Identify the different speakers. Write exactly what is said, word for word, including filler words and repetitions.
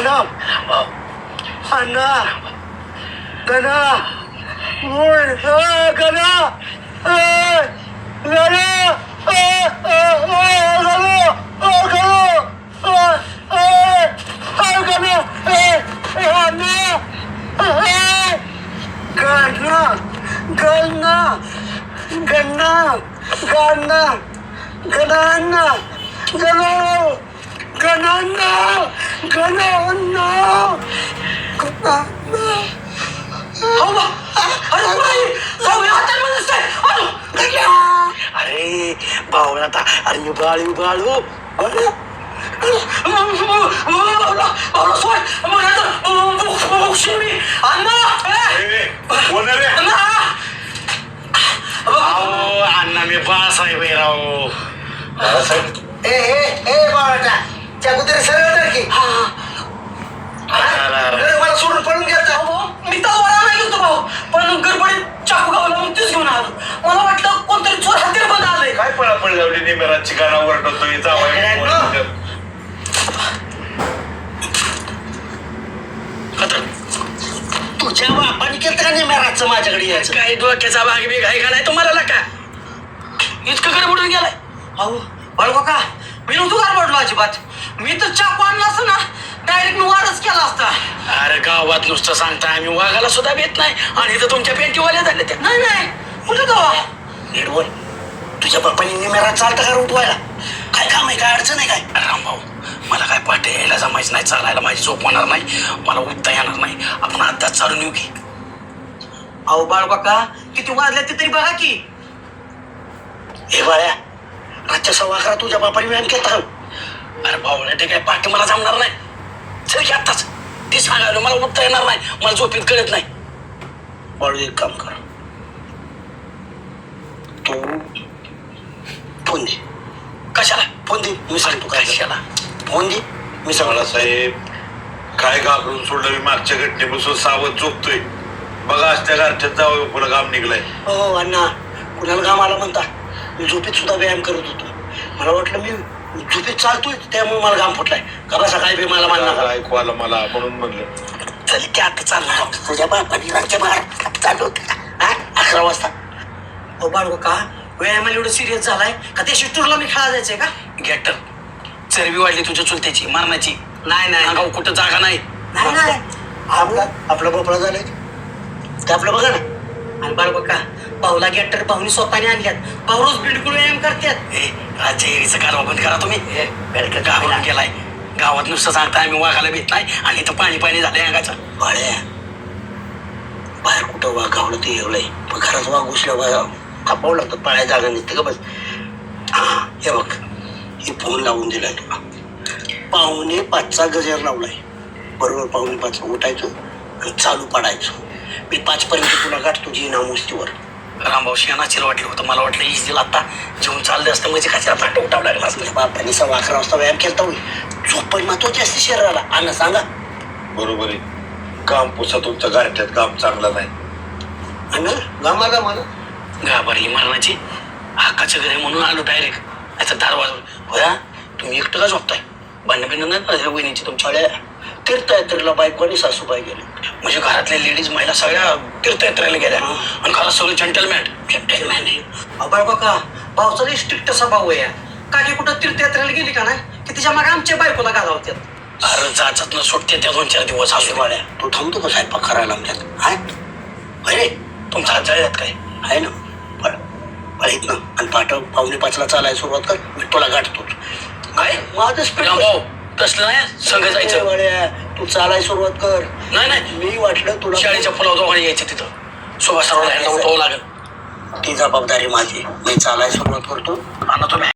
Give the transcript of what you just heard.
Speaker 1: गणा अण्णा गणा मूळ गणा गणा गणना गणना गणना गणना गणना गणना गणना अरे भाऊ आता अरे बाळू बाळू अण्णा मी बाळासाहेब आहे राव.
Speaker 2: ए ए ए बाळाटा चाकुतरी सरळ तर की मला सोडून पळून गेलता.
Speaker 3: मी तर वळा नाही गेलो भाऊ, पण गडबडीत चाकू गावला मग तेच घेऊन आलो. मला वाटलं कोणतरी चोर हत्यार बंद आलंय.
Speaker 4: काय पळापळ लावली निमेराची गाणं ओरडतोय जावं.
Speaker 1: तुझ्या बापाने केलं का नेमेराचं माझ्याकडे यायचं?
Speaker 3: काही डोक्याचा भाग बी घाई घालाय तुम्हाला का इतकं गडबडून गेलाय? अहो बाळगो का मी नव्हतो गडबडलो अजिबात. मी तर चाकू आणला असता ना डायरेक्ट मी वारच केला असता.
Speaker 1: अरे गावात नुसतं सांगता आम्ही वाघाला सुद्धा भेट नाही आणि इथं तुमच्या पेंटीवाल्या झाल्या त्या.
Speaker 3: नाही नाही कुठे जावा
Speaker 1: नीट बोल. तुझ्या बापाने निमेरा चालता का उठवायला? काय काम आहे? काय अडचण आहे काय? रामभाऊ मला काय पाठी यायला जमायचं नाही, चालायला माझी झोप होणार नाही, मला उठता येणार नाही. आपण आत्ताच चालून येऊ की.
Speaker 3: अहो बाळगो का किती वाजल्या ते तरी बघा की.
Speaker 1: हे बाळ्या रातच्या सव्वा अकरा तुझ्या बापाने व्यायाम केला का? अरे भाऊ ते काय पाठी मला जमणार नाही. चल की आत्ताच. ते सांगायला मला उठता येणार नाही, मला झोपेत कळत नाही. बाळू एक काम कर, तू फोन दे. कशाला फोन दे? मी सांगतो काय कशाला फोन दे. मी सांगला
Speaker 4: साहेब काय घाबरून सोडलं मी मागच्या घटनेपासून सावध झोपतोय. बघा आज त्या गारठ्यात जावं पुन्हा घाम निघलाय.
Speaker 1: हो अण्णा कुणाला घाम आला म्हणता? मी झोपेत सुद्धा व्यायाम करत होतो. मला वाटलं मी झोपेत चालतोय त्यामुळे मला घाम फुटलाय का. बसा काय बी मला मानणार
Speaker 4: ऐकू आलं मला म्हणून म्हणलं
Speaker 1: चल की आता चालणार. तुझ्या बापाने रातच्या बाहेर चालू होते अकरा वाजता.
Speaker 3: अहो बाळगो का व्यायामाला एवढं सिरियस झालाय का त्या शिफ्टूरला मी खेळा जायचंय का?
Speaker 1: गॅटर चरबी वाढली तुझ्या चुलत्याची मारण्याची.
Speaker 3: नाही नाही
Speaker 1: अंगावर कुठं जागा नाही.
Speaker 3: नाही नाही
Speaker 1: आपला आपला भोपळा झालाय ते आपलं बघा ना.
Speaker 3: आणि बाळगो का भाऊला गॅटर भाऊनी स्वतःने आणल्यात. भाऊ रोज बिलकुल व्यायाम करतात.
Speaker 1: ए राज्य एरीचं कारवा बंद करा तुम्ही. बेडकं गावाला गेलाय. गावात नुसतं सांगता आम्ही वाघाला भेट नाही आणि इथं पाणी पाणी झालंय अंगाचं. बाळ्या बाहेर कुठं वाघ गावलं ते एवढंय पण घरात वाघ घुसल्या कापावं लागतं. पाळ्या जागा नसते का बस. हा हे बघ हे फोन लावून दिलाय तुला. पाहुणे पाचचा गजर लावलाय. बरोबर पाहुणे पाच उठायचं आणि चालू पाडायचं. मी पाच पर्यंत तुला गाठ तुझी नामुस्तीवर. रामभाऊ शेणाचीर वाटलं होतं. मला वाटलं इजीला आता जेवण चाललं असतं म्हणजे कशाला फाटे उठावं लागला असतं. बापाने सव्वा अकरा वाजता व्यायाम केला होईल. झोप पण महत्वाची असते शरीराला. अन्न सांगा
Speaker 4: बरोबर आहे. काम पुसा तुमच्या गारठ्यात काम चांगलं नाही.
Speaker 1: अन्न गामा गामाला घाबरली मरणाची. हक्काचं घर आहे म्हणून आलो डायरेक्ट. याचा दार वाजवून होया तुम्ही एकटं का झोपताय? भांडण बिंड नाही ना वहिनीची तुमच्या तीर्थयात्रेला बायको आणि सासूबाई गेले म्हणजे घरातल्या लेडीज महिला सगळ्या तीर्थयात्रेला गेल्या आणि घरात सगळे जंटलमॅन जंटलमॅन आहे.
Speaker 3: बाळगो का भाऊचा लई स्ट्रिक्ट असा भाऊ आहे. काकी कुठं तीर्थयात्रेला गेली का नाही की तिच्या मागे आमच्या बायकोला घालावतात.
Speaker 1: अरे जाचत न सुटते त्या दोन चार दिवस असू वाड्या. तू थांबतो का स्वयंपाक करायला आमच्यात? हाय अरे तुमचा हात जळल्यात काय आहे ना? बळ बळीत ना. आणि पाठव पावणे पाचला चालायला सुरुवात कर. मी तुला गाठतोच. काय माझं स्पीड तसलं नाही संघ जायचं. वाड्या तू चालायला सुरुवात कर. नाही नाही मी वाटलं तुला शाळेच्या फुलावर दोघांनी यायचं तिथं सुभाष सरोवराला उठवावं लागेल. ती जबाबदारी माझी. मी चालायला सुरुवात करतो आणि तुम्ही